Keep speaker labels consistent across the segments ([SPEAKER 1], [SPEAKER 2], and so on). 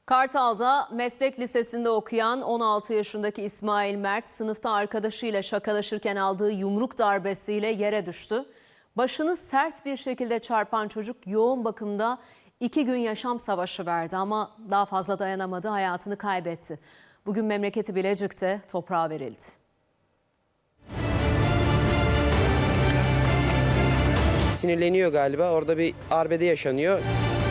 [SPEAKER 1] Kartal'da meslek lisesinde okuyan 16 yaşındaki İsmail Mert sınıfta arkadaşıyla şakalaşırken aldığı yumruk darbesiyle yere düştü. Başını sert bir şekilde çarpan çocuk yoğun bakımda 2 gün yaşam savaşı verdi ama daha fazla dayanamadı, hayatını kaybetti. Bugün memleketi Bilecik'te toprağa verildi.
[SPEAKER 2] Sinirleniyor galiba, orada bir arbede yaşanıyor.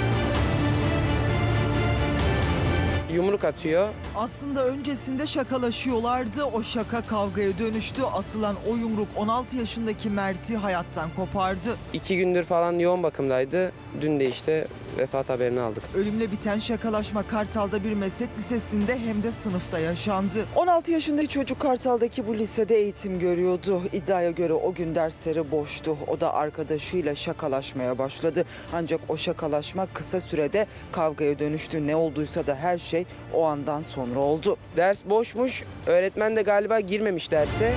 [SPEAKER 2] Yumruk atıyor.
[SPEAKER 3] Aslında öncesinde şakalaşıyorlardı. O şaka kavgaya dönüştü. Atılan o yumruk 16 yaşındaki Mert'i hayattan kopardı.
[SPEAKER 2] 2 gündür falan yoğun bakımdaydı. Dün de işte vefat haberini aldık.
[SPEAKER 3] Ölümle biten şakalaşma Kartal'da bir meslek lisesinde hem de sınıfta yaşandı. 16 yaşındaki çocuk Kartal'daki bu lisede eğitim görüyordu. İddiaya göre o gün dersleri boştu. O da arkadaşıyla şakalaşmaya başladı. Ancak o şakalaşma kısa sürede kavgaya dönüştü. Ne olduysa da her şey o andan sonra oldu.
[SPEAKER 2] Ders boşmuş, öğretmen de galiba girmemiş derse.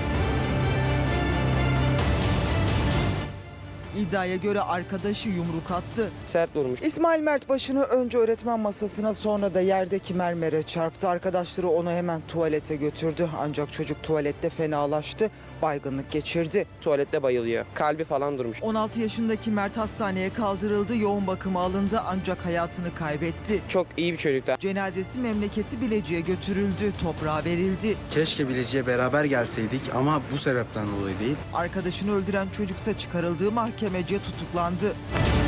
[SPEAKER 3] İddiaya göre arkadaşı yumruk attı.
[SPEAKER 2] Sert vurmuş.
[SPEAKER 3] İsmail Mert başını önce öğretmen masasına sonra da yerdeki mermere çarptı. Arkadaşları onu hemen tuvalete götürdü. Ancak çocuk tuvalette fenalaştı, baygınlık geçirdi.
[SPEAKER 2] Tuvalette bayılıyor. Kalbi falan durmuş.
[SPEAKER 3] 16 yaşındaki Mert hastaneye kaldırıldı, yoğun bakıma alındı ancak hayatını kaybetti.
[SPEAKER 2] Çok iyi bir çocuktu.
[SPEAKER 3] Cenazesi memleketi Bilecik'e götürüldü, toprağa verildi.
[SPEAKER 4] Keşke Bilecik'e beraber gelseydik ama bu sebepten dolayı değil.
[SPEAKER 3] Arkadaşını öldüren çocuksa çıkarıldığı mahkemece tutuklandı.